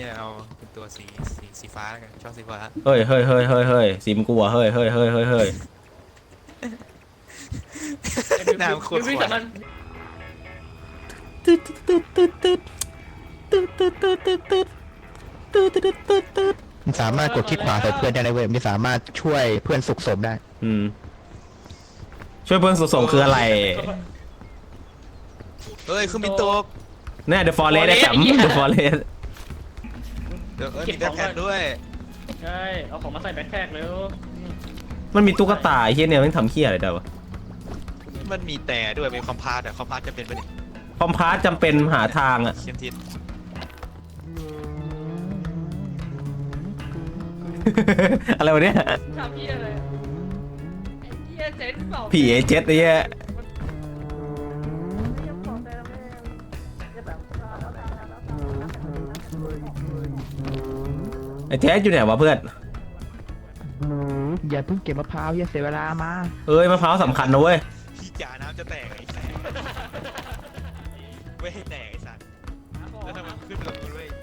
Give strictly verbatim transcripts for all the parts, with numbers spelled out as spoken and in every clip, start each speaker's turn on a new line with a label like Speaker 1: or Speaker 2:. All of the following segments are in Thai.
Speaker 1: เนี่ยเอาเป็นตัวสีสีสีฟ้าแล้วกันชอบสีฟ้า
Speaker 2: เฮ้ยเฮ้ยเฮ้ยเฮ้ยเฮ้ยสีมนกลัวเฮ้ยเฮ้ยเฮ้ยเฮ้ยเฮ้ย
Speaker 1: น้ำโคตร
Speaker 3: วิ
Speaker 1: ข
Speaker 3: ส
Speaker 1: วาน
Speaker 3: มัน
Speaker 2: ตึ๊ดตึ๊ดตึ๊ดตึ๊ดตึ๊ดตึ๊ดตึ๊ดตึ๊ดตึ๊ดตึ๊ดตึ๊ดตึ๊ดตึ๊ดตึ๊ด
Speaker 4: มันสามารถกดคลิกขวาใส่เพื่อนได้เลยเว้ยมันสามารถช่วยเพื่อนสุกศพได้
Speaker 2: อืมช่วยเพื่อนส่งคืออะไร
Speaker 1: เฮ้ยคือมีตก
Speaker 2: เนี่ย The Forest ได้แชมป์ The Forest
Speaker 1: เดี๋ยวเออมีแบ็คแพ็คด้วย
Speaker 3: ใช่เอาของมาใส่แบ็คแพ็คเร็ว
Speaker 2: มันมีตุ๊กตาไอ้เฮียเนี่ยมันทำเฮียอะไรได้วะ
Speaker 1: มันมีแต่ด้วยมีคอมพาสอะคอมพาสจะเป็นประเด็น
Speaker 2: คอมพาสจำเป็นหาทางอะ
Speaker 1: เข็มทิศ
Speaker 2: อะไรวะเนี่ย
Speaker 3: ทำเพี้ยอะไรไอ้เพี้ยเจ๊นเปล่า
Speaker 2: ผีไอ้เจ็ดไอ้เหี้ยไอ้เจ็ดอยู่ไหนวะเพื่อน
Speaker 4: อย่าเพิ่งเก็บมะพร้าวอย่าเสียเวลามา
Speaker 2: เอ้ยมะพร้าวสำคัญนะเว้ย
Speaker 1: พี่จ่าน้ำจะแตกไอ้แสบไม่ให้แตกไอ้สัตว์แล้วทำไมมันขึ้นแบบนี้ด้วย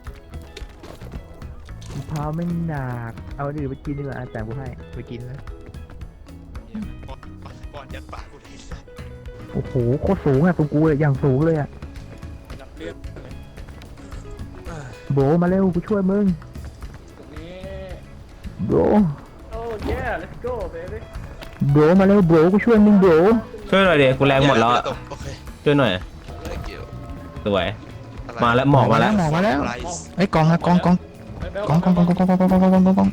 Speaker 4: มะพร้าวไม่หนักเอาดื่มไปกินดีกว่าแต่กูให้ไปกินแล้ว
Speaker 1: ก่อนก่อนยัดปากกูเลยไอ้สัตว์
Speaker 4: โอ้โหโคตรสูงอ่ะตรงกูเลยอย่างสูงเลยอ่ะ
Speaker 3: รับเลือด
Speaker 4: โบมาเร็วกูช่วยมึง
Speaker 3: ตรงนี้
Speaker 4: โบ
Speaker 3: โอ้ย let's go baby
Speaker 4: โบมาเร็วโบกูช่วยมึงโบ
Speaker 2: ช่วยหน่อยดิกูแรงหมดแล้วอะ
Speaker 1: โอเค
Speaker 2: ช่วยหน่อย
Speaker 1: ไม่เกี่ยว
Speaker 2: สวย มาแล้วหมอกมาแล้ว
Speaker 4: หมอกมาแล้ว
Speaker 1: ไร
Speaker 4: ไอ้ยกองนะกองกองกองกองกองกองกองกองกองกองกองกองกอง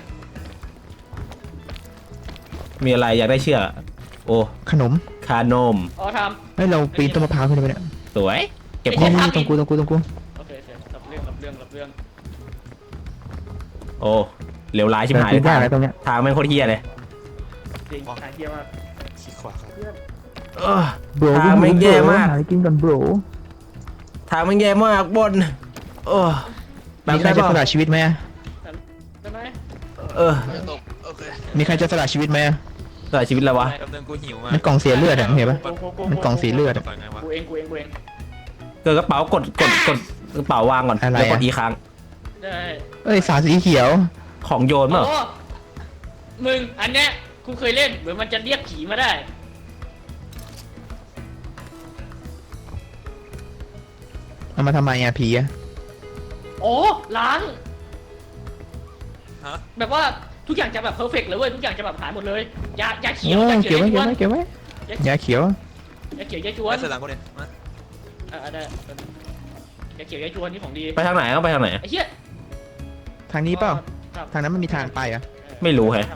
Speaker 2: มีอะไรอยากได้เชือกโอ้
Speaker 4: ขนม
Speaker 2: คานม
Speaker 3: อ๋อท
Speaker 4: เฮ้ยเราปีนต้นมะพร้าวขึ้นไปเนี่ย
Speaker 2: สวย เก็บ
Speaker 4: นี่
Speaker 2: ของ
Speaker 4: นี่ตรงกูตรงกูตรงกู
Speaker 3: ำโอเคโอเครับเรื่องรับเรื่องรับเรื่อง
Speaker 2: โอ้เหลวร้ายชิบหาย
Speaker 4: ปี
Speaker 2: เลย
Speaker 4: นได้
Speaker 2: ทาง
Speaker 4: อะไรตรงเนี้ย ทาง
Speaker 2: ทางแม่งโคตรเฮี้ยเลย
Speaker 3: จริงทางเที่ยมาก
Speaker 1: ขี้ขวาครับ
Speaker 2: เออ
Speaker 4: โบร
Speaker 2: ทางแม่งแย่มาก
Speaker 4: หากินก่อนโบร
Speaker 2: ทางแม่งแย่มากบนเออแบบ
Speaker 4: มีใคร
Speaker 2: ได้
Speaker 4: จะ
Speaker 2: ป่ะ
Speaker 4: สละชีวิตไหม
Speaker 3: ได้ไหม
Speaker 2: เออ
Speaker 1: จะตกโอเค
Speaker 4: มีใครจะสละชีวิตไหม
Speaker 2: สละชีวิตแล้ววะ
Speaker 1: กำลังกูหิวมา
Speaker 4: มันกล่องเสียเลือดอะเห็นปะ
Speaker 3: กูกูกู
Speaker 4: มันกล่องสีเลือดอะ
Speaker 1: ก่อนไงวะ
Speaker 3: กูเองกูเองกูเอง
Speaker 2: เกิดกระเป๋ากดกดกดกระเป๋าวางก่อน
Speaker 4: อะไรอะ
Speaker 2: แล้วกดอีกครั้ง
Speaker 3: ได้
Speaker 4: เอ้ยสารสีเขียว
Speaker 2: ของโยนเปล่า
Speaker 3: โอ้มึงอันเนี้ยกูเคยเล่นเหมือนมันจะเรียกผีมาได้
Speaker 4: เอามาทำไมอะผีอะ
Speaker 3: โอ้ล้าง
Speaker 1: ฮะ
Speaker 3: แบบว่าทุกอย่างจะแบบเพอร์เฟกต์เลยเว้ยทุกอย่างจะแบบหายหมดเลยยายาเขียว
Speaker 4: โอ้
Speaker 3: ยา
Speaker 4: เก็บไว้
Speaker 3: เขียวยา
Speaker 4: เก็บ
Speaker 3: จว
Speaker 4: ไว้
Speaker 3: น
Speaker 4: เก็บไว้ยาเขียว
Speaker 3: ยาเขียวยาจวน
Speaker 1: ไอ้สลังกูเนี่ยมา
Speaker 3: อ่าได้ยาเขียวยาจวนนี่ของดี
Speaker 2: ไปทางไหนต้องไปทางไหน
Speaker 3: ไอ้เหี้ย
Speaker 4: ทางนี้เปล่า
Speaker 3: ครับ
Speaker 4: ทางนั้นมันมีทางไปอะ
Speaker 2: ไม่รู้แฮะ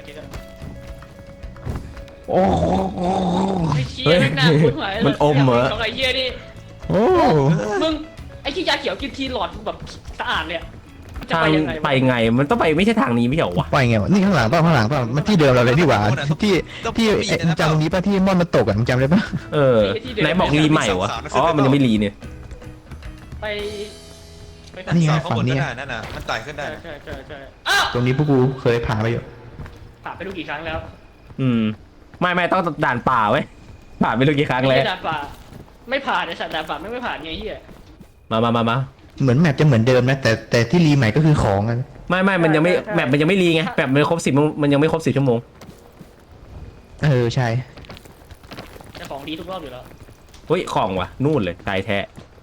Speaker 4: โอ้โห
Speaker 3: ไอ้เหี้ยแม่งน่าคุ้นหวย
Speaker 2: มันอมเหรอ
Speaker 3: ของไอ้เหี้ยนี่
Speaker 4: โอ้
Speaker 3: มึงไอ้ที่ยาเขียวกินทีหลอดแบบสะอาดเลยอะจะ
Speaker 2: ทาง
Speaker 3: ไปยังไง
Speaker 2: ไป
Speaker 3: วะ
Speaker 2: ไงมันต้องไปไม่ใช่ทางนี้ไม่ใช่เหรอวะ
Speaker 4: ปล่อยไงวะนี่ข้างหลังเปล่าข้างหลังเปล่ามันที่เดิมเราเลยดีกว่าที่ที่เอ๊ะมึงจำตรงนี้ป่ะที่ม่อนมันตกอะมึงจำได้ป่ะ
Speaker 2: เออไหนบอกรีใหม่วะอ๋อมันยังไม่รีเนี่ย
Speaker 3: ไปไปทาง
Speaker 4: นี่ไง
Speaker 1: ข้าง
Speaker 4: ฝั่
Speaker 1: บ
Speaker 4: ง
Speaker 1: น
Speaker 4: นี้
Speaker 1: ก็ได้นั่นน่ะมันไต่ขึ้นได้
Speaker 3: ใช่
Speaker 1: นะ
Speaker 3: ใช่ใช่ใช่อ้าว
Speaker 4: ตรงนี้พวกกูเคยผ่านไปอยู่
Speaker 3: ผ่านไปดูกี่ครั้งแล้ว
Speaker 2: อืมไม่ไม่ต้องด่านป่าไว้ยผ่านไปรู้กี่ครั้ง
Speaker 3: ไม่
Speaker 2: แล้ว
Speaker 3: ใช่ด่านป่าไม่ผ่านไอ้สัตว์ด่านป่าไม่ไม่ผ่านไงเหี้ย
Speaker 2: มามามามา
Speaker 4: เหมือนแมปจะเหมือนเดิมนะแต่แต่ที่รีใหม่ก็คือของอะ
Speaker 2: ไม่ไม่มันยังไม่แมปมันยังไม่รีไงแมปมันครบสิบมันยังไม่ครบสิบชั่วโมง
Speaker 4: เออใช่
Speaker 3: แต่ของดีทุกรอบอยู่แล้ว
Speaker 2: เฮ้ยของว่ะนู่นเลยตายแท้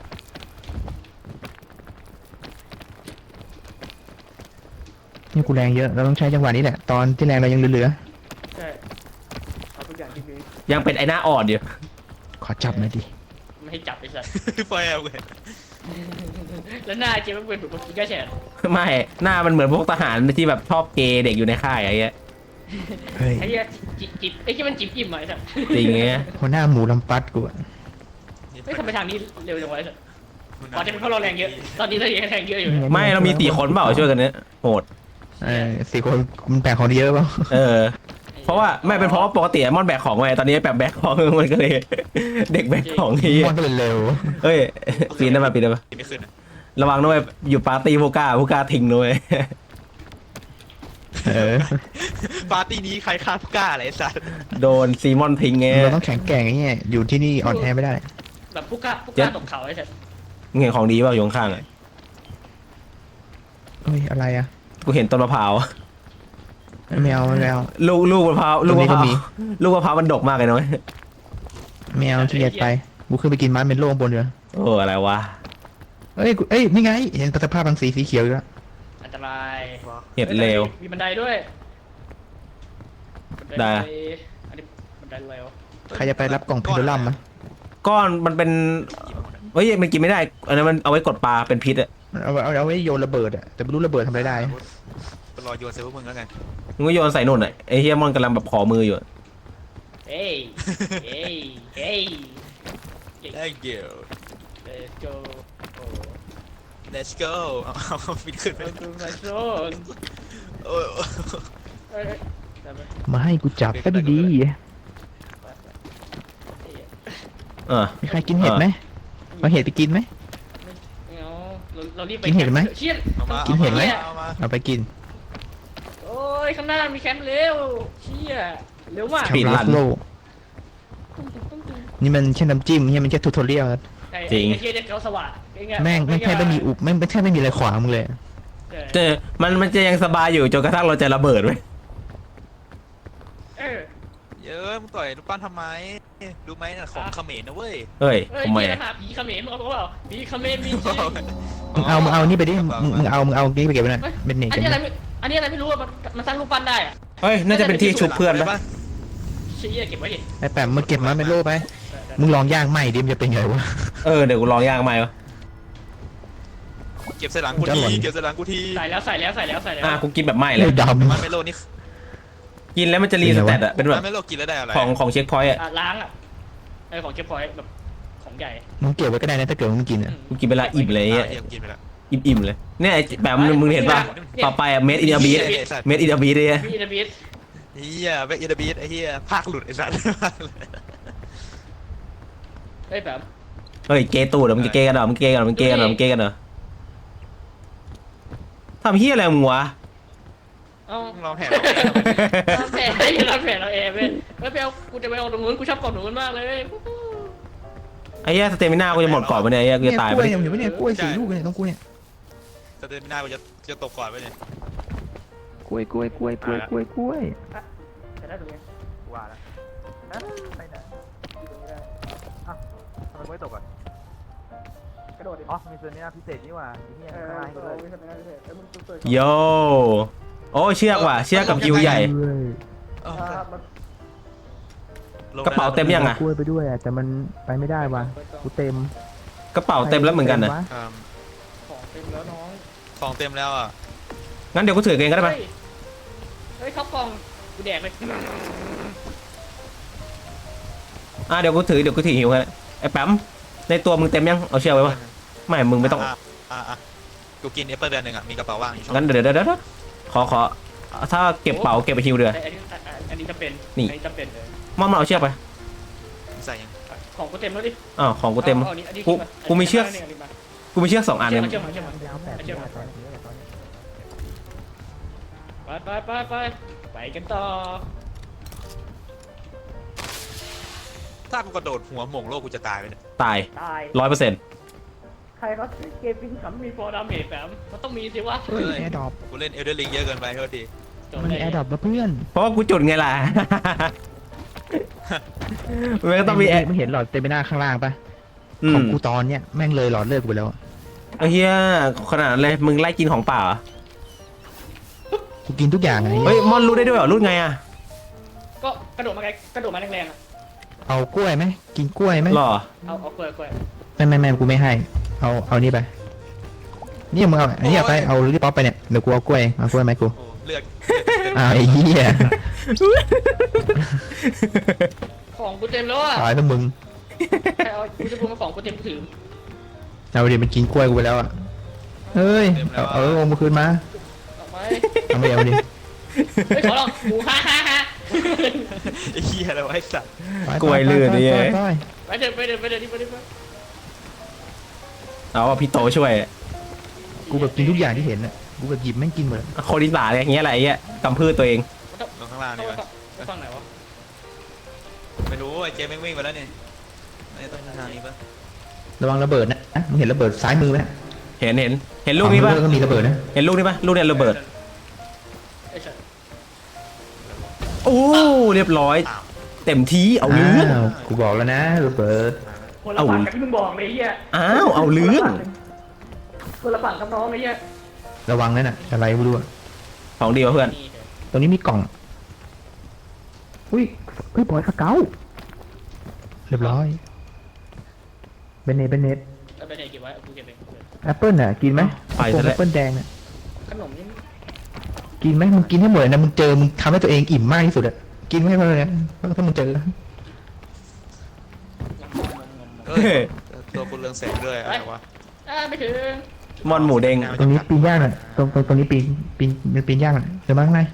Speaker 4: นี่กูแรงเยอะเราต้องใช้จังหวะนี้แหละตอนที่แรงเรายังเหลือ
Speaker 3: ใช่เอาทุกอย่างที่ดี
Speaker 2: ยังเป็นไอ้หน้าอ่อนอยู่
Speaker 4: ๆขอจับหน่อยดิ
Speaker 3: ไม่ให้จับไอ้สัตว์
Speaker 1: ไฟเอาเลย
Speaker 3: แล้วหน้าเจ๊มันเป็นแบบกินก้าแฉะ
Speaker 2: ไม่หน้ามันเหมือนพวกทหารที่แบบชอบเกย์เด็กอยู่ในค่ายอะไรเงี้ย
Speaker 4: เฮ้ย
Speaker 3: ไอ้เหี้ยจิบจิบไอ้ที่มันจิบอิ่มอะไอ้สัตว์
Speaker 2: จริงเงี้ย
Speaker 4: หัวหน้าหมูลำปัดกูอะ
Speaker 3: เฮ้ยทำไมทางนี้เร็วจังวะไอ้สัตว์ตอนนี้เพราะเราแรงเยอะตอนนี้เรายังแรงเยอะอยู่
Speaker 2: ไม่เรามีสี่คนเปล่าช่วยกันเนี้ยโหด
Speaker 4: เออสี่คนมันแบ่งของดีเยอะเปล่า
Speaker 2: เออ เพราะว่าไม่เป็นเพราะว่าปกติมอนแบกของไงตอนนี้แบบแบกของมันก็เลย เด็กแบกของนี้
Speaker 4: มอนก็เลยเร็ว
Speaker 2: เฮ้ยปีนได้มาปีนได้มา
Speaker 1: ไม่ขึ้นอะ
Speaker 2: ระวังด้วยอยู่ปาร์ตี้ผู้กล้าผู้กล้าทิ้งด้วย
Speaker 4: เออ
Speaker 1: ปาร์ตี้นี้ใครฆ่าผู้กล้าอะไรไอ้สัตว์
Speaker 2: โดนซีมอนทิ้งไง
Speaker 4: เราต้องแข็งแกร่งไอ้เงี้ยอยู่ที่นี่อ่อนแอไม่ได้
Speaker 3: แบบผู้กล้าผู้กล้าตกเขาไอ้สัตว์
Speaker 2: มึงเห็นของดีเปล่าอยู่ข้างๆอ่ะ
Speaker 4: ฮ้ยอะไรอ่ะ
Speaker 2: กูเห็นต้นมะพร้าว
Speaker 4: ไม่เอาไม่เอา
Speaker 2: ลูกลูกมะพร้าวลูกมะพร้าว
Speaker 4: ตรงนี้ก็มี
Speaker 2: ลูกมะพร้าวมันดกมากเลยนะเว้ย
Speaker 4: ไม่เอาขี้เกียจไปกูขึ้นไปกินมันเป็นโล่งบนเรือ
Speaker 2: โอ้อะไรวะ
Speaker 4: เอ้ยกูเอ้ยนี่ไงเห็นสภาพบางสีสีเขียวอยู่แล้ว
Speaker 3: อันตราย
Speaker 2: เห็ดเลว
Speaker 3: มีบันไดด้วยบัน
Speaker 2: ได้
Speaker 3: อันนี้บันไดเร็ว
Speaker 4: ใครจะไปรับกล่องเพนดูลัมมะ
Speaker 2: ก้อนมันเป็นเฮ้ยมันกินไม่ได้อันนั้นมันเอาไว้กดปลาเป็นพิษอะ
Speaker 4: เอาเอาเอาไว้โยนระเบิดอะแต่ไม่รู้ระเบิดทำอะไรได้
Speaker 1: ไปรอโยนเซฟพวกมึงแล้วกัน
Speaker 2: มึงก็โยนใส่นุ่นอะไอ้เฮียมอนกำลังแบบขอมืออยู่อะ
Speaker 3: เอ้ยเอ้ยเอ้ย
Speaker 1: ได้เกี่ยว
Speaker 3: let's go โอ้
Speaker 1: let's go เอาเอาฟิตขึ้นไป
Speaker 3: ไปดูมาโซน
Speaker 1: โอ้ย
Speaker 3: เอ้ยได้ไหม
Speaker 4: มาให้กูจับก็ดี
Speaker 2: เออ
Speaker 4: ๆมีใครกินเห็ดไหมเอาเห็ดไปกินไหม
Speaker 3: ไม่เอาเราเรารีบไป
Speaker 4: กินเห็ดไหม
Speaker 3: เชี่ย
Speaker 1: เอามา
Speaker 4: กินเห็ดไหม
Speaker 1: เอามา
Speaker 4: เอาไปกิน
Speaker 3: โอ้ยข้างหน้ามีแคมป์เร็วเชี่ยเร็วมาก
Speaker 2: ปีดรัน
Speaker 4: โลกนี่มันแค่น้ำจิ้มนี่มันแค่ทูทอเรียล
Speaker 3: ไอ้
Speaker 2: จริง
Speaker 3: ไอ้เชี่ยเนี่ยเขาสว่างไอ้เงี้ย
Speaker 4: แม่งไม่แค่ไม่มีอุบแม่งไม่แค่ไม่มีอะไรขวางมึงเลย
Speaker 3: เออ
Speaker 2: เจอมันมันจะยังสบายอยู่จนกระทั่งเราจะระเบิดไว้ย
Speaker 3: เออ
Speaker 1: เยอะมึงต่อยลูกปั้นทำไมรู้ไหมน่ะของเขมรนะเว้ย
Speaker 2: เฮ้ย
Speaker 3: เฮ้ย
Speaker 2: ทำไม
Speaker 3: เชี่ย
Speaker 2: อะ
Speaker 3: หาผีเขมรมึงเอาเปล่าผีเขมรมีจริง
Speaker 4: มึงเอามึงเอานี่ไปดิมึงมึงเอามึงเอานี่ไปเก็บไว้หน่อย
Speaker 3: เฮ้ย
Speaker 4: เป็นเน
Speaker 3: อั
Speaker 4: เจ
Speaker 3: นนี้อะไรไม่อันนี้อะไรไม่รู้อะมันมันสร้างรูปปั้นได้อะ
Speaker 2: เฮ้ยน่าจะเป็นที่ชุบเพื่อน
Speaker 1: ได้
Speaker 2: ปะ
Speaker 1: ปะ
Speaker 3: เชี่ยเก็บไว้ดิ
Speaker 4: ไอ้แปมมึงเก็บมาเป็นโล่ไปมึงลองย่างไหมดิมันจะเป็นไงวะ
Speaker 2: เออเดี๋ยวกูลองย่างใหม่วะ
Speaker 1: เก็บใส่หลังกู
Speaker 4: จะหล่
Speaker 1: ที
Speaker 4: น
Speaker 1: เก็บใส่หลังกูที
Speaker 3: ใส่แล้วใส่แล้วใส่แล้วใส่แล้ว
Speaker 2: อ่ะกูกินแบบไหม้เลย
Speaker 4: เลือดด
Speaker 1: มันไม่โลนี่
Speaker 2: กินแล้วมันจะรีสแตทอะเป็นแบบ
Speaker 1: มันไม่โลกินแล้วได้อะไร
Speaker 2: ของของเช็คพอยต์อะ
Speaker 3: อ่ะล้างอ่ะไอของเก็บพอยต์แบบของใหญ่
Speaker 4: ำมึงเก็บไว้ก็ได้นะถ้าเกิดมึงกินอ่ะ
Speaker 2: กูกินเวลาอิ่มเลย
Speaker 1: อ่ะ
Speaker 2: เนี่ย
Speaker 1: เดี๋ยวกินไปแล้ว
Speaker 2: อิ่มๆเลยเนี่ยไอ้แบบมึงมึงเห็นป่ะต่อไปอะเมดอินเดียบี
Speaker 1: ไอ้สัตว์
Speaker 2: เมดอินเดียบีเลย
Speaker 3: พี่จะบีท
Speaker 1: เฮียแบ็กอินเดบีไอ้เฮียภาคหลุดไอ้สัตว์
Speaker 3: เฮ้ยแบบ
Speaker 2: เฮ้ยเกย์ตูดเหรอมึงจะเกย์กันเหรอมึงเกย์กันเหรอมึงเกย์กันเหรอมึงเกย์กันเหรอทำเฮียอะไรมึงวะ
Speaker 3: เอ้า
Speaker 1: มึงลองแหก
Speaker 3: ทำแผลให้ทำแผลเราเองเว้ยแล้วไปเอากูจะไปเอาตรงนู้นกูชอบกอดหนูมันมากเลย
Speaker 2: ไอ้เหี้ยสเตมิน่ากูจะหมดก่อนไปเนี่ยไอ้เหี้ยกู
Speaker 4: เนี่ย
Speaker 2: จะตาย
Speaker 4: ก
Speaker 2: ไป
Speaker 4: ล้วยเนี่ยเห็นไหมเนี่ยกล้วยสี่ลูกเนี่ยต้องกล้วยเนี่ย
Speaker 1: จะเดินไม่ได้กูจะจะตกก่อนไปเนี่ย
Speaker 4: กล้วยกล้วยกล้วยกล้วยกล้วยกล้วย
Speaker 3: แต่ได้ตรงนี้
Speaker 1: ว่าแล้ว
Speaker 3: ไปไหนอยู่ตรงนี้ได้
Speaker 1: ทำไมไม่ตกอ่ะ
Speaker 3: กระโดดดิ
Speaker 1: อ๋อมีส่วนนี้พิเศษนี่ว่าไอ้เฮีย
Speaker 3: เออ
Speaker 1: ข้างล่าง
Speaker 3: เอ
Speaker 1: กู
Speaker 3: อ
Speaker 1: ด้วย
Speaker 3: ไม่ใช่ไม่ใช่ไม่ใช่เออมันเปิด
Speaker 2: โยโอ้เชือกว่ะเชือกกับคิวใหญ่
Speaker 1: เออ
Speaker 3: อ่ามัน
Speaker 1: ลง
Speaker 2: กระเป๋าเต็มยังอะ
Speaker 4: กล้วยไปด้วยอ่ะแต่มันไปไม่ได้ว่ะกูเต็ม
Speaker 2: กระเป๋าเต็มแล้วเหมือนกันนะ
Speaker 1: อืม
Speaker 3: ของเต็มแล้วน้อง
Speaker 1: ของเต็มแล้วอ่ะ
Speaker 2: งั้นเดี๋ยวกูถือเองก็ได้ปะ
Speaker 3: เฮ้ยเฮ้ยเขากล่องกูแดกเลย
Speaker 2: อ่ะเดี๋ยวกูถือเดี๋ยวกูถือหิวให้ไอ้แป๊มในตัวมึงเต็มยังเอาเชือกไว้ปะไม่มึงไม่ต้อง
Speaker 1: อ่ะอ่ะอ่ะกูกินแอปเปิลเดือนหนึ่งอ่ะมีกระเป๋าว่างอยู่ช่อง
Speaker 2: งั้นเดี๋ยวเดี๋ยวเดี๋ยวขอขอถ้าเก็บเป๋าเก็บไปฮิวเดือ
Speaker 3: อันนี้อันนี้จะเป็น
Speaker 2: นี่
Speaker 3: อันนี้จะเป็นเลย
Speaker 2: มอนมาเอาเชือกไป
Speaker 1: ใส่ยัง
Speaker 3: ของกูเต็มแล้วดิ
Speaker 2: อ้าวของกูเต็ม
Speaker 3: อาอันนี้อันนี้
Speaker 2: กู
Speaker 3: ขึ้นา
Speaker 2: กูมีเชือก
Speaker 3: นนี้นนี้มา
Speaker 2: กูมีเชือกสองอัน
Speaker 3: เชื
Speaker 2: เนี่
Speaker 3: อย กมาเชือกมาเชือกมาเชือกมาไปไปไปไปไปกันต่อ
Speaker 1: ถ้ากูกระโดดหัวหม่งโลกกูจะตายไปเนี่ย
Speaker 2: ตาย
Speaker 3: ตาย
Speaker 2: ร้อยเปอร์เซ็นต์
Speaker 3: ใครเขาซื้อเกมปิ้งขำมีฟอร์ดาเมจแบบมันต้องมีสิวะ
Speaker 4: เฮ้ยแอร์ดรอป
Speaker 1: กูเล่นเอลเดอร์ลิงเยอะเกินไปเท่าที
Speaker 4: มันแอร์ดรอปมาเพื่อน
Speaker 2: เพราะว่ากูจุดไงล่ะ มันก็ต้องมีแอร์
Speaker 4: ไม่เห็นหลอดเต็มไปหน้าข้างล่างปะ
Speaker 2: อื
Speaker 4: ของ
Speaker 2: ม
Speaker 4: กูตอนเนี้ยแม่งเลยหลอดเลือดกูไปแล้วอะ
Speaker 2: ไอ้เฮียขนาดนั้นเลยมึงไล่กินของเปล่าเหรอ
Speaker 4: กูกินทุกอย่างไง
Speaker 2: เฮ้ยมอนรูดได้ด้วยเหรอรูดไงอะ
Speaker 3: ก็กระโดดมาไกลกระโดดมาแรงๆอ่ะ
Speaker 4: เอากล้วยไหมกินกล้วยไหม
Speaker 2: หรอ
Speaker 3: เอาเอากล้วยกล้วย
Speaker 4: ไม่ไม่ไม่กูไม่ให้ เอาเอานี่ไปนี่มึงเอาอันนี้เอาไปเอาลิปป๊อปไปเนี่ยเดี๋ยวกูเอากล้วยเอากล้วยไหมกู
Speaker 1: โอ้เลือด
Speaker 4: อ้าวไอ้เหี้ย
Speaker 3: ของกูเต็มแล้วอ่ะ
Speaker 4: ตายแล้วมึง
Speaker 3: ใครเอากูจะพูดมาของกูเต็มถือ
Speaker 4: เอาดิมันกินกล้วยกูไปแล้วอ่ะเฮ้ยเอาเอาลงมาคืนมา
Speaker 3: ออกไป
Speaker 4: เอาไม่เอาดิ
Speaker 3: เฮ้ยขอลองกูฮ่าฮ่าฮ่า
Speaker 1: ไอ้เหี้ยอะไรวะไอ้สัตว์
Speaker 4: ไป
Speaker 2: กล้วยลื่นนี่
Speaker 4: ไปไปไป
Speaker 3: ไปเดินไปเดินไปเดินที่ไปเดินไป
Speaker 2: เอาว่าพี่โตช่วย
Speaker 4: กูแบบกินทุกอย่างที่เห็นอ่ะกูแบบหยิบแม่งกินหมดอะ
Speaker 2: โคดิสาอะไรอย่างเงี้ยอะไรไอ้เงี้ยกำพืชตัวเอง
Speaker 1: ลงข้างล่างนี่วะ
Speaker 3: ไปฟังไหนวะ
Speaker 1: ไม่รู้ไอ้เจมแม่งวิ่งไปแล้วนี่ไม่ต้องทางนี้ปะ
Speaker 4: ระวังระเบิดนะมึงเห็นระเบิดซ้ายมือไหม
Speaker 2: เหเห็นเห็นเห็นลูกนี้ปะ
Speaker 4: ก็มีระเบิดนะ
Speaker 2: เห็นลูกนี้ปะลูกเนี่ยระเบิด
Speaker 3: ไอ้สัตว์
Speaker 2: โอ้เรียบร้อย เต็มที่เอาเรื่อง
Speaker 4: าวกูบอกแล้วนะระเบิด
Speaker 3: คนละฝั่งกับที่มึงบอกเลยไอ้เหี้ย
Speaker 2: อ้าวเอาเรื่อง
Speaker 3: คนละฝั่งกับน้องไอ้เหี้ย
Speaker 4: ระวังนั่นน่ะอะไรไม่รู้อะ
Speaker 2: ของดีวะเพื่อน
Speaker 3: นี่เถอะ
Speaker 4: ตรงนี้มีกล่องอุ้ยเฮ้ยบอยสเกลเรียบร้อยเบนเนตเบนเนต
Speaker 3: เอาไปไหนเก็บไว้เอากูเก็บเองกูเก็บ
Speaker 4: แอปเปิลน่ะกินไหม
Speaker 2: ไปซะแล้ว
Speaker 4: แอปเปิลแดงน่ะ
Speaker 3: ขนมนี่
Speaker 4: กินไหมมึงกินให้หมดเลยนะมึงเจอมึงทำให้ตัวเองอิ่มมากที่สุดอะกินไม่ให้มันเลยนะถ้ามึงเจอ
Speaker 1: เฮ้ยตัวคุณเรืองแสงด้วยอะไรวะ
Speaker 3: อ่าไม่ถึง
Speaker 2: มอนหมูเด้ง
Speaker 4: ตรงนี้ปีนย่างน่ะตรงตรงตรงนี้ปีนปีนมันปีนย่างน่ะเดี๋ยวมาข้างใน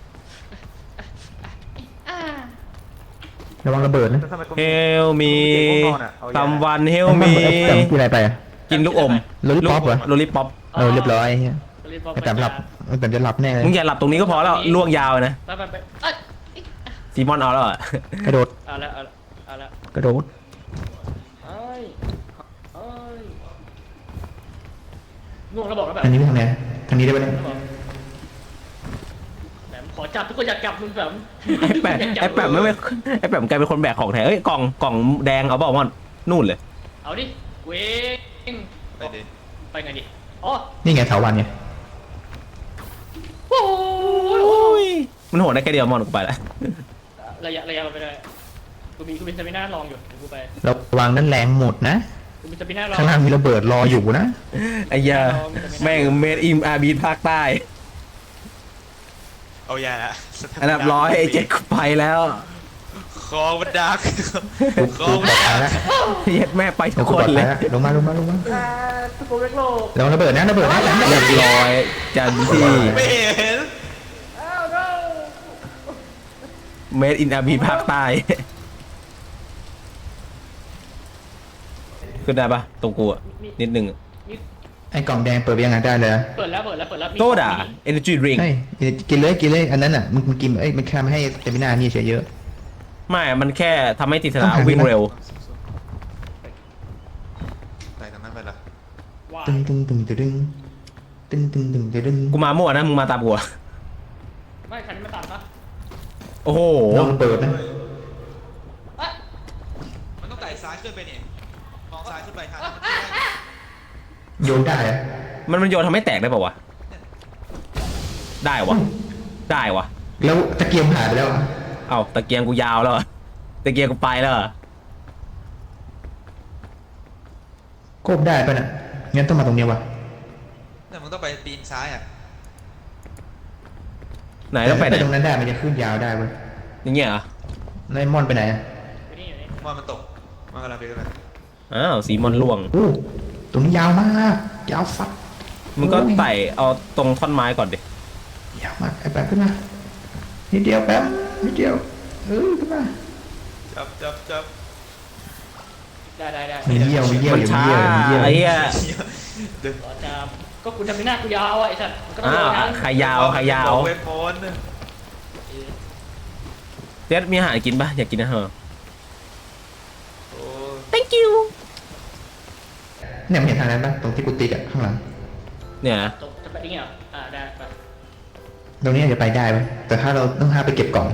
Speaker 3: อ่า
Speaker 4: ระวังระเบิดนะ
Speaker 2: เฮลมีซัมวันเฮลมี
Speaker 4: เอ้ยแต่กินอะไรไปอะ
Speaker 2: กินลูกอม
Speaker 4: โลลิปอปเหรอ
Speaker 2: โลลิปป๊อป
Speaker 4: เออเรียบร้อยเฮีย
Speaker 3: รีบบอก
Speaker 4: ไอ้แต่หลับไอ้แต่จะหลับแน่เลย
Speaker 2: มึงอย่าหลับตรงนี้ก็พอแล้วล่วงยาวเลยนะ
Speaker 3: ไปไปไปเอ้ย
Speaker 2: ซีมอนเอาแล้วอะ
Speaker 4: กระโดด
Speaker 3: เอาละเอาละเอาละ
Speaker 4: กระโดด
Speaker 3: เอ้ยเอ้ยง่วงแล้วบอกแล้วแบบ
Speaker 4: อันนี้ไปทางไหนทางนี้ได้ไหมเนี่ย
Speaker 3: แบบขอจับทุกคนอยากจับมึงแบบ
Speaker 2: ไอ้แปะไอ้แปะไม่ไม่ไอ้แปะกลายเป็นคนแบกของแท้เอ้ยกล่องกล่องแดงเอาเปล่ามอนนู่นเลย
Speaker 3: เอาดิเว้ง
Speaker 1: ไปดิ
Speaker 3: ไปไงดิอ๋อ
Speaker 4: นี่ไงเถาวันไง
Speaker 3: โอ้ย
Speaker 2: มันโหดได้แค่เดียวมอนกูไปแล้ว
Speaker 3: ระยะระยะเราไปได้กูมีกูมีสปิน่าลองอยู่เดี๋ยวกูไป
Speaker 4: ระวังนั่นแรงหมดนะ
Speaker 3: กูมีสปิน่าลอง
Speaker 4: ข้างล่างมีระเบิดรออยู่นะ
Speaker 2: ไอ้ยาแม่งเมดอิมอาร์บีภาคใต้
Speaker 1: เอายาละ
Speaker 2: อันดับร้อยไอ้เจ็ดกูไปแล้ว
Speaker 1: คอมันดัก
Speaker 4: กู
Speaker 1: คอ
Speaker 4: กู
Speaker 1: มั
Speaker 4: ป
Speaker 1: น
Speaker 4: ลอดภั
Speaker 1: ดั
Speaker 4: ย
Speaker 1: ก
Speaker 4: แล้ว
Speaker 2: เย็ดแม่ไปทุก
Speaker 4: กู
Speaker 2: ค
Speaker 4: ปลอน ด
Speaker 2: เล
Speaker 4: ภัย
Speaker 2: ย
Speaker 4: แล้วลงมาลงมาลงมา
Speaker 3: อ่าตุกโกเล็กโลก
Speaker 4: ระวังระเบิดนะระเบิดนะ
Speaker 2: เรียบร้อยจันที่
Speaker 1: ไม่เห็น
Speaker 3: อ้าว no
Speaker 2: เมดอินอาร์บีภาคใต้ขึ้นได้ปะตรงกูอะนิดนึง
Speaker 4: ไอ้กล่องแดงเปิดไปยังไงได้เลย
Speaker 3: เปิดแล้วเปิดแล้วเปิดแล้วมี
Speaker 2: โซดาเอเนจีดริง
Speaker 4: ใช่กินเลยกินเลยอันนั้นอ่ะมึงมึงกินเอ้ยมันแค่ไม่ให้เตมินานี่เฉยเยอะ
Speaker 2: ไม่มันแค่ทำให้ติดสนาม
Speaker 4: ต้องหา
Speaker 2: วิ่งเร็ว
Speaker 1: ไปทางนั้นไปละ
Speaker 3: ว้า
Speaker 4: ตึงตึงตึงตึงตึงตึงตึงตึงตึง
Speaker 2: กูมามั่วนะมึงมาตามกูอะ
Speaker 3: ไม่คันนี้มาตัดปะ
Speaker 2: โอ้โห
Speaker 4: ระวังระเบิดนะ
Speaker 3: อ่ะ
Speaker 1: มันต้องไต่ซ้ายขึ้นไปนี่มองซ้ายขึ้นไปทาง
Speaker 4: โยนได้อะ
Speaker 2: มันมันโยนทำให้แตกได้ป่าวะได้วะได้วะ
Speaker 4: แล้วตะเกียงหายไปแล้วอะ
Speaker 2: เอ้าตะเกียงกูยาวแล้วอะตะเกียงกูไปแล้วอะ
Speaker 4: โคบได้ป่ะน่ะงั้นต้องมาตรงเนี้ยวะ
Speaker 1: เนี่ยมึงต้องไปปีนซ้ายอ่ะ
Speaker 2: ไหนต้องไปไหน
Speaker 4: ตรงนั้นได้มันจะขึ้นยาวได้เว้ย
Speaker 2: อย่างเงี้ยเหรอ
Speaker 4: นายมอนไปไหนอะ
Speaker 3: อยู่นี่อยู่นี่
Speaker 1: มอนมันตกมันกำลังไปกัน
Speaker 2: อ้าวสีมอนล่วง
Speaker 4: โอ้ตรงนี้ยาวมากยาวฟัด
Speaker 2: มึงก็ไต่เอาตรงท่อนไม้ก่อนดิ
Speaker 4: ยาวมากไอ้แป๊บขึ้นมานิดเดียวแป๊บนิดเดียวเออขึ้นมา
Speaker 1: จับจับจับ
Speaker 3: ได้ได้ได้
Speaker 4: มีเยี่ยวมีเยี่ยว
Speaker 2: มัน
Speaker 4: อยู่มี
Speaker 2: ช้า
Speaker 4: เยี่ยวมีเยี่ยว
Speaker 2: ไอ้เหี้ย
Speaker 1: เดิน
Speaker 3: ขอจะก็คุณทำไม่น่ากูยาวอ่ะไอ้สัตว์มันก็ต้อง
Speaker 2: อ้าว
Speaker 3: โดนนะ
Speaker 2: ใครยาวใครยาว
Speaker 1: เวทมนต์
Speaker 2: เด็ดมีอาหารกินปะอยากกินอาหาร
Speaker 1: โอ้
Speaker 2: thank you
Speaker 4: เนี่ยมึงเห็นทางนั้นปะตรงที่กูติดอะข้างหลัง
Speaker 2: เนี่ยนะ
Speaker 3: ตกจะไปได้ไงเหรออ่าได้ไป
Speaker 4: ตรงนี้อาจจะไปได้ไหมแต่ถ้าเราต้องหาไปเก็บกล่อง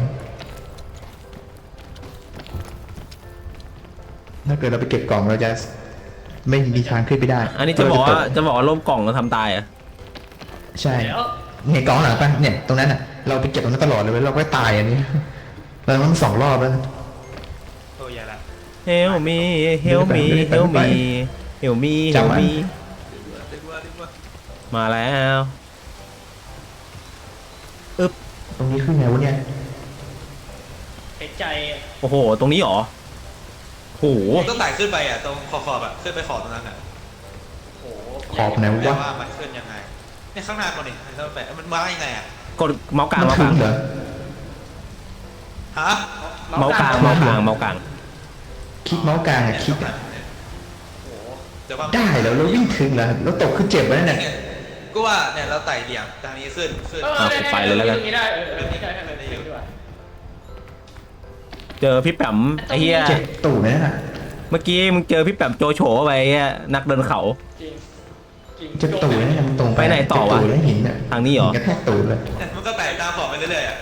Speaker 4: ถ้าเกิดเราไปเก็บกล่องเราจะไม่มีทางขึ้นไปได้
Speaker 2: อันนี้จะบอกว่าจะบอกว่าร่มกล่องเราทำตายอ่ะ
Speaker 4: ใช่
Speaker 3: เดี๋ยว
Speaker 4: เห็นกล่องหลังปะเนี่ยตรงนั้นอ่ะเราไปเก็บตรงนั้นตลอดเลยเว้ยเราก็ตายอันนี้เราต้องสองรอบแล้ว
Speaker 1: โอ้ยาละ
Speaker 2: help me help me help me help me help me
Speaker 1: ดีกว่าดีกว่า
Speaker 2: มาแล้ว
Speaker 4: ตรงนี้ขึ้นไงวะเนี่ย
Speaker 3: เห็นใจ
Speaker 2: โอ้โหตรงนี้เหรอโอ้โห
Speaker 1: ต้องไต่ขึ้นไปอ่ะตรงขอบขอบอ่ะขึ้นไปขอบตรงนั้นอ่ะ
Speaker 3: โอ้โห
Speaker 4: ขอบไหน
Speaker 1: แปล
Speaker 4: วะ
Speaker 1: ว่ามันขึ้นยังไงเนี่ยข้างหน้าก่อนดิเราไปมันมายังไงอ่ะ
Speaker 2: กดเมาส์กลาง
Speaker 4: มัน
Speaker 2: เมาส์ก
Speaker 4: ถึ
Speaker 2: ลาง
Speaker 4: งเหรอ
Speaker 1: ฮะ
Speaker 2: เมาส์กลางเมาส์กลางเมาส์กลาง
Speaker 4: คลิกเมาส์กลางอะคลิกอะ
Speaker 1: โอ้โหเดี๋ยวว่า
Speaker 4: ได้แล้วเราวิ่งถึงเหรอเราตกขึ้นเจ็บไว้นั่นแหละ
Speaker 1: เนี่ยก็ว่าเนี่ยเราไต่เดี่ยงทางนี้ขึ้นขึ้น
Speaker 3: เออ
Speaker 2: เอาไปเลยแล้วกัน
Speaker 3: ตรงนี้ได้เออเออนี่ได้ได้ได้ได้ดีกว่า
Speaker 2: เจอพี่แปมไอ้เหี้ย
Speaker 4: เจ็บตูดไหมนั่นน่ะ
Speaker 2: เมื่อกี้มึงเจอพี่แปมโจโฉไปไอ้เหี้ยนักเดินเขา
Speaker 3: จริง
Speaker 4: จะตูดแล้วเนี่ยมันตรง
Speaker 2: ไปไหนต่อวะ
Speaker 4: จตูดแล้วหินอ่ะ
Speaker 2: ทางนี้เหรอ
Speaker 4: หินกระแทกตูดเลย
Speaker 1: มันก็แตกตามบอกไปเรื่อยๆอ่ะ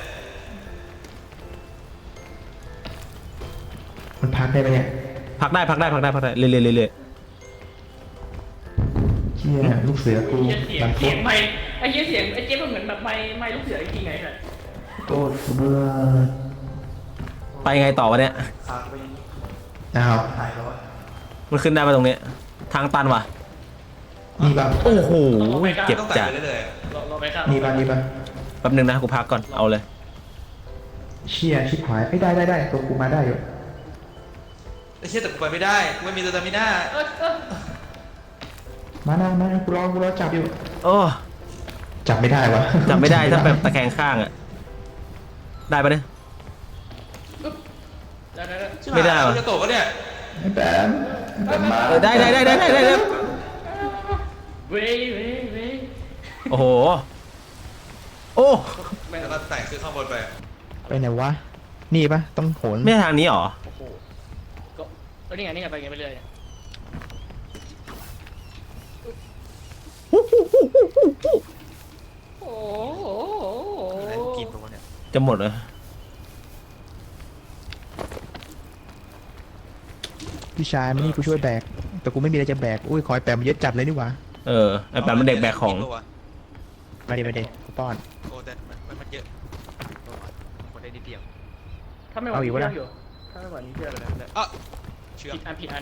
Speaker 4: มันพักได้ไหมเนี่ย
Speaker 2: พักได้พักได้พักได้พักได้เรื่อยๆเรื่อย
Speaker 4: เชี่ยลูกเสือกู
Speaker 3: เหี้ยเสีย
Speaker 4: ดั
Speaker 3: ง
Speaker 4: น
Speaker 3: เสี
Speaker 4: ฟุ
Speaker 3: ย
Speaker 4: ต
Speaker 3: งไม่ไอ้เหี้ยเสียงไอ้เจ๊มันเหมือนแบบไม่ไม่ลูกเสือจริงๆไงเนี่ย
Speaker 4: โต้เบื่อ
Speaker 2: ๆไปไงต่อวะเนี่ย
Speaker 4: อ้าว
Speaker 2: มันขึ้นได้มาตรงเนี้ยทางตันว่ะ
Speaker 4: นี่ป่ะ
Speaker 2: โอ้โหเจ็บ
Speaker 1: ต้องแตก
Speaker 2: จัด
Speaker 1: ไปเรื่อยๆอะ
Speaker 3: เราเราไปครับ
Speaker 4: นี่ป่ะนี่ป่ะ
Speaker 2: แป๊บนึงนะกูพักก่อนเอาเลย
Speaker 4: เชี่ยชิบหายไม่ได้ได้ได้ตัวกูมาได้อยู่
Speaker 1: ไอ้เชี่ยแต่กูไปไม่ได้กูไม่มีสตามิน่า
Speaker 3: เออเออ
Speaker 4: มานะมานะกูรอกูรอจับอยู่
Speaker 2: โอ้
Speaker 4: จับไม่ได้วะ
Speaker 2: จับไม่ได้ถ้าแบบตะแคงข้างอะได้ปะเนี่ย
Speaker 3: ได้ได้ได้
Speaker 2: ไม่ได้วะ
Speaker 1: กูจะตกก็เนี่ย
Speaker 4: ไอ้แบมแบมมา
Speaker 2: เออได้ได้ได้ได้ได้ได้ได้
Speaker 3: เว้ยเว้ยเว้ย
Speaker 2: โอ้โหโอ้
Speaker 1: แล้วก็แตกขึ้นข้างบนไปอะ
Speaker 4: ไปไหนวะนี่ป่ะต้องโหน
Speaker 2: ไม่ใช่ทางนี้หรอ
Speaker 3: โอ้โหก็เออนี่ไงนี่ไงไปไงไปเรื่อยเนี่ยโอ้โห
Speaker 1: อะไรกูกินตรงเนี่ย
Speaker 2: จะหมดเลย
Speaker 4: พี่ชายไม่นี่กูช่วยแบกแต่กูไม่มีอะไรจะแบกอุ้ยคอยแปมเยอะจัดเลยนี่หว่า
Speaker 2: เออไอ้แปมมันเด็กแบกของ
Speaker 4: มาดิมาดิกูป้อน
Speaker 1: โอ้แต่มันมันมันเยอะโอ้ยคนได้นิดเดียว
Speaker 3: ถ้าไม่ไหว
Speaker 4: เอาอี
Speaker 3: นี่
Speaker 4: กวะ
Speaker 3: เชื่
Speaker 4: นะ
Speaker 3: ออยู่ถ้าไม่ไหวนี่เชื่อ
Speaker 1: เดี๋
Speaker 3: เลย
Speaker 1: วย เดี๋ยวเดี๋ยวอ่ะเชือก
Speaker 3: ผิดอันผิดอัน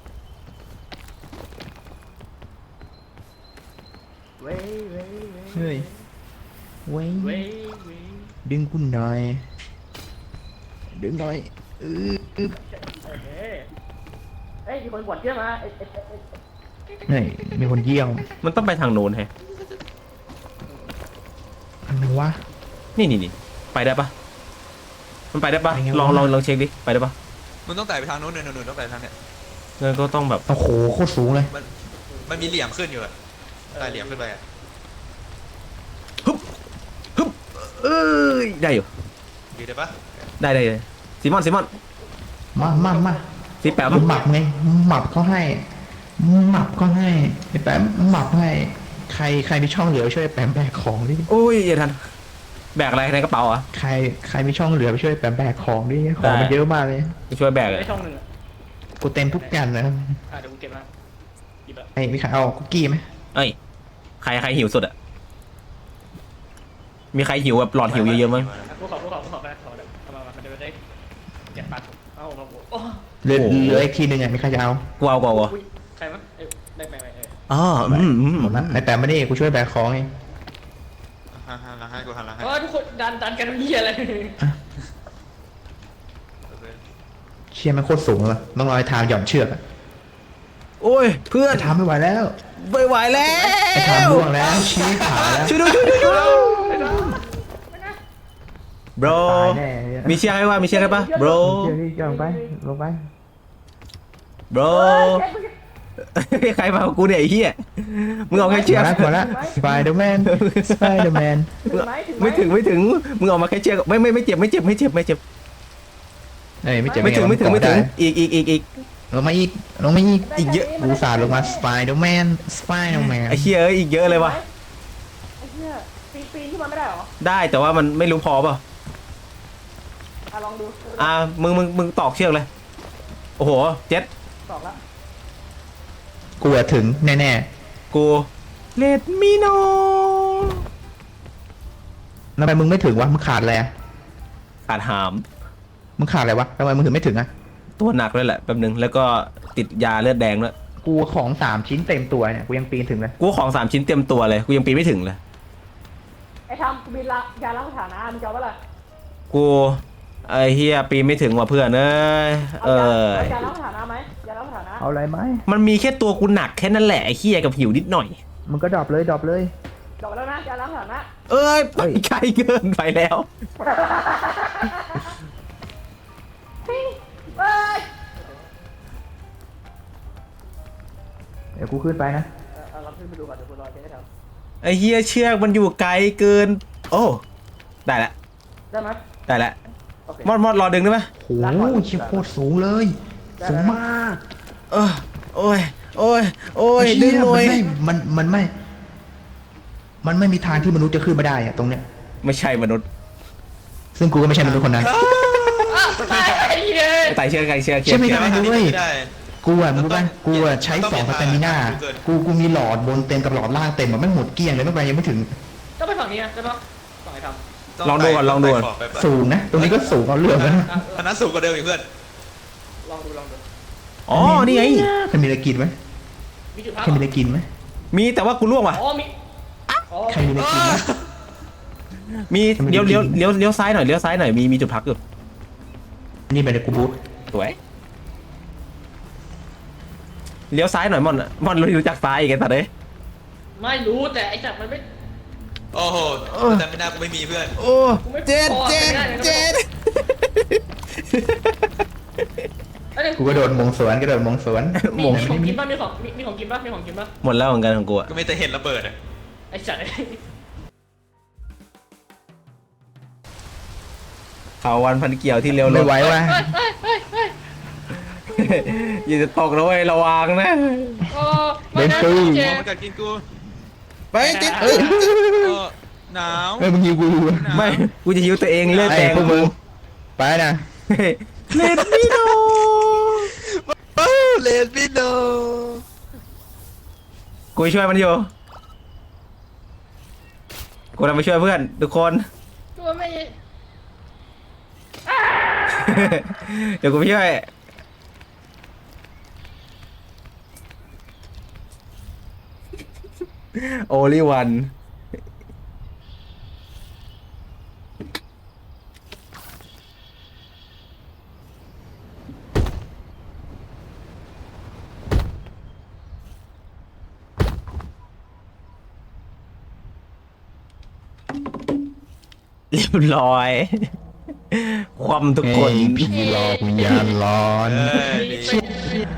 Speaker 3: เว้ยเว้ยเว้ย
Speaker 4: เฮ้ยเว้ย
Speaker 3: เว้ยเว้ย
Speaker 4: ดึงกูหน่อยดึงหน่อยเออเออ
Speaker 3: เอ้ยเอ้ยมีคนกดเยอะมาเอ้ยเอ้ยเอ้ย
Speaker 4: นี่มีคนเยี่ยม
Speaker 2: มันต้องไปทางโน้นแฮะ
Speaker 4: อันไหนวะ
Speaker 2: นี่นี่นี่ไปได้ปะมันไปได้ปะ
Speaker 4: ไปไงวะ
Speaker 2: ลองลองลองเช็คดิไปได้ปะ
Speaker 1: มึงต้องแตกไปทางนู้นเนี่ยนู้นต้องแตกทางเนี่ย
Speaker 2: งั้นก็ต้องแบบ
Speaker 4: โอ้โหโคตรสูงเลย
Speaker 1: มันมันมีเหลี่ยมขึ้นอยู่อะไต่เหลี่ยมขึ้นไปอะ
Speaker 2: ฮึบฮึบเอ้ยได้อยู่
Speaker 1: อยู่ได้ปะ
Speaker 2: ได้ได้เลยซิมอนซิมอน
Speaker 4: มามามา
Speaker 2: ซิแปม
Speaker 4: หมับไงหมับเขาให้หมับก็ให้ไอ้แปมหมับให้ใครใครมีช่องเหลือช่วยแปมแบกของดิ
Speaker 2: โอ้ยอย่าทันแบกอะไรในกระเป๋าอ่ะ
Speaker 4: ใครใครมีช่องเหลือไปช่วยแปมแบกของดิของมัน
Speaker 2: ได้
Speaker 4: เยอะมากเลย
Speaker 2: ไปช่วยแบกอะ
Speaker 3: ได้ช่องหนึ่งอ่ะ
Speaker 4: กูเต็มทุกอย่างนะ
Speaker 3: อ่ะเดี๋ยวกูเก็บมาหยิบละ
Speaker 4: ไอ้มีใครเอาคุกกี้ไหม
Speaker 2: เอ้ยใครใครหิวสุดอ่ะมีใครหิวแบบหลอดหิวเยอะๆมั้ง
Speaker 3: อ่ะกูขอกูขอกูขอไปขอเดี๋ยวเอามามาเดี๋ยวได้เก็บปัดเอามากูโอ้
Speaker 4: เหลือ
Speaker 2: โอ้โห
Speaker 4: เหลืออีกทีหนึ่งอ่ะมีใครจะเอา
Speaker 2: กูเอากูเอากูเอา
Speaker 3: อุ๊ยใครมั้งเอ้ยได้ไหมเอ้ย
Speaker 2: อ๋ออืมอืม
Speaker 4: หมดละไอ้แปมมาดิกูช่วยแบกของเอง
Speaker 1: หันหันหลังให้กูหันหลังให้
Speaker 3: เออทุกคนดันดันกันเหี้ยอะไร
Speaker 1: โอเค
Speaker 4: เชี่ยมันโคตรสูงเลยต้องรอไอ้ทามหย่อนเชือกอะ
Speaker 2: โอ้ยเพื่อน
Speaker 4: ไอ้ทามไม่ไหวแล้ว
Speaker 2: ไม่ไหวแล้
Speaker 4: ไอ้ทาม
Speaker 2: ว
Speaker 4: ร่วงแล้วชี้ขาแล้ว
Speaker 2: ช่วยด้วยช่วยด้วยช่วยด้วยบร
Speaker 4: ตายแน่เนี่ย
Speaker 2: มีเชือกให้ว่ามีเชือกให้ปะ bro
Speaker 4: เชือกนี่ย่อนลงไปลงไป
Speaker 2: bro ใครมากับกูเนี่ยไอ้เหี้ยมึงเอาแค่เชือก
Speaker 4: พอแล้วพอแล้วสไปเดอร์แมนสไปเดอร์แมน
Speaker 2: ไม่ถึงไม่ถึงมึงเอามาแค่เชือกไม่ไม่ไม่เจ็บไม่เจ็บไม่เจ็บไม่เจ็บ
Speaker 4: เอ้ยไม่เจ็บ
Speaker 2: ไม่ถึงไม่ถึงไม่ถึง
Speaker 4: ด้
Speaker 2: อีกอีกอีกอีก
Speaker 4: ลงมาอีกลงมาอีก
Speaker 2: อีกเยอะ
Speaker 4: กูสาดลงมาสไปเดอร์แมนสไปเดอร์แมน
Speaker 2: ไอ้เหี้ยเอ้ยอีกเยอะเลยว่ะ
Speaker 3: ไอ้เหี้ยปีนปีนขึ้นมาไม่ได้เหรอ
Speaker 2: ได้แต่ว่ามันไม่รู้พอเปล่า
Speaker 3: อ่ะลองดู
Speaker 2: อ่ามึงมึงมึงตอกเชือกเลยโอ้โหเจ็ด
Speaker 3: สองละ
Speaker 4: กูอะถึงแน่
Speaker 2: กูเลดมิโน
Speaker 4: ๆทำไมมึงไม่ถึงวะมึงขาดอะไรอะ
Speaker 2: ขาดหาม
Speaker 4: มึงขาดอะไรวะทำไมมึงถึงไม่ถึงอะ
Speaker 2: ตัวหนักเลยแหละแป๊บนึงแล้วก็ติดยาเลือดแดงด้วย
Speaker 4: กูของสามชิ้นเต็มตัวเนี่ยกูยังปีนถึงเลย
Speaker 2: กูของสามชิ้นเต็มตัวเลยกูยังปีนไม่ถึงเลย
Speaker 3: ไอ้ทำมีละยาล้างฐานะมึงจะเอาปะล่ะ
Speaker 2: กูไอ้เฮียปีนไม่ถึงว่ะเพื่อนเอ้ยเออ
Speaker 3: เอายาล้างฐานะไหมยาล้างฐานะ
Speaker 4: เอาอะไรไหม
Speaker 2: มันมีแค่ตัวกูหนักแค่นั้นแหละไอ้เฮียกับหิวนิดหน่อย
Speaker 4: มึงก็ดรอปเลยดรอปเลย
Speaker 3: จบแล้วนะยาล้างฐานะ
Speaker 2: เอ้ยไป
Speaker 4: เฮ้ย
Speaker 2: ไกลเกินไปแล้ว
Speaker 3: เฮ้ย
Speaker 4: เดี๋ยวกูขึ้นไปนะ
Speaker 3: เอาเราขึ้นไปดูก่อนเดี๋ยวกูรอเจ๊ได้ท
Speaker 2: ไอ้เฮียเชือกมันอยู่ไกลเกิน โอ้ได้ละ
Speaker 3: ำได้ไหม
Speaker 2: ได้ละ
Speaker 3: โอเค
Speaker 2: มอดมอดรอดึงได้ไหม
Speaker 4: โอ้โหชิบโคตรสูงเลยสูงมาก
Speaker 2: เออโอ้ยโอ้ยโอ้ย
Speaker 4: ไอ้
Speaker 2: ดึ
Speaker 4: เหี้
Speaker 2: งหน่อย
Speaker 4: มันไม่มันมันไม่ มันไม่มีทางที่มนุษย์จะขึ้นมาได้อะตรงเนี้ย
Speaker 2: ไม่ใช่มนุษย์
Speaker 4: ซึ่งกูก็ไม่ใช่มนุษย์คนนั้น
Speaker 3: ไอ้เหี้ย
Speaker 2: ไต่เชื่อใครเชื่อเชื่
Speaker 4: ใช่
Speaker 2: อ
Speaker 4: ไหม
Speaker 2: เชื่อ
Speaker 4: ได้ด้วย
Speaker 1: ไม่ได้
Speaker 4: กูอะรู้ป่ะกูอะใช้
Speaker 1: ต้อง
Speaker 4: ส
Speaker 1: เป็
Speaker 4: อง
Speaker 1: น
Speaker 4: สแตมิน่า
Speaker 1: ทางเกิน
Speaker 4: กูกูมีหลอดบนเต็มกับหลอดล่างเต็มอะไม่งหมดเกลี้ยงเลยไม่ไปยังไม่ถึง
Speaker 3: ต้องไปฝั่งนี้นะใช่ปะฝั่งไหนท
Speaker 2: ลองดูก่อนลองดูก่อน
Speaker 1: ไปไป
Speaker 4: สูงนะ ตรงนี้ก็สูงเอาเรื่องนะ
Speaker 3: ำอ่ะ
Speaker 1: อันนั้นสูงกว่าเดิมอีกเพื่อน
Speaker 3: ลองดูลองดู
Speaker 2: อ๋อนี่ไง
Speaker 4: ใครมีอะไรกินไหม
Speaker 3: มีจุดพัก
Speaker 4: ใครมีอะไรกินไหม
Speaker 2: มีแต่ว่ากูล่วงว่ะ
Speaker 3: อ๋อมีอ๋อ
Speaker 4: ใครมีอะไรกินไหม
Speaker 2: มีเลี้ยวเลี้ยวเลี้ยวเลี้ยวซ้ายหน่อยเลี้ยวซ้ายหน่อยมีมีจุดพักอยู่
Speaker 4: นี่ไปเลยกูบูท
Speaker 2: สวยเลี้ยวซ้ายหน่อยมอนอะมอนรู้จักซ้ายอีกไอ้สัตว์เอ้ย
Speaker 3: ไม่รู้แต่ไอ้จับมันไม่
Speaker 1: โอ้โหแต่ไม่น่ากูไม่มีเพื่อน
Speaker 2: โอ้เจ็ดเจ็ดเจ็ด
Speaker 3: ไอ้เด็ก
Speaker 4: กูกระโดดมงสวนกระโดดมงสวน
Speaker 3: มี
Speaker 2: มง
Speaker 3: มีของกินป่ะมีของมีมีของกินป่ะมีของกินป่ะ
Speaker 2: หมดแล้วเหมือนกันของกูอะ
Speaker 1: ก็ไม่แต่เห็นระเบิดอะ
Speaker 3: ไอ้จัด
Speaker 2: เขาวันพันเกี่ยวที่เลี้ยวร
Speaker 4: ไม่
Speaker 2: ถ
Speaker 4: ไหวว่ะ
Speaker 3: เฮ้ยเฮ้ยเฮ้ย
Speaker 2: อย่าจะตกนะเว้ยระวังนะ
Speaker 3: โอ้ไม่นะเจ
Speaker 1: มองมันกัดกินกู
Speaker 2: ไปติด
Speaker 1: เออหนาว
Speaker 4: เฮ้ยมึงยิวกู
Speaker 2: ไม่กูจะยิ้วตัวเองเลือด
Speaker 4: ไอ้
Speaker 2: แดง
Speaker 4: พวกมึงไปนะ
Speaker 2: เลดมิโน
Speaker 1: เลนบิโน
Speaker 2: กูช่วยมันอยู่กูจะไปช่วยเพื่อนทุกคน
Speaker 3: ตัวไม่
Speaker 2: เดี๋ยวกูไปช่วยโอลิวันเรียบร้อย ความทุกคน
Speaker 4: ผีหลอกวิญญาณร้อน
Speaker 1: เอ้ย
Speaker 3: มี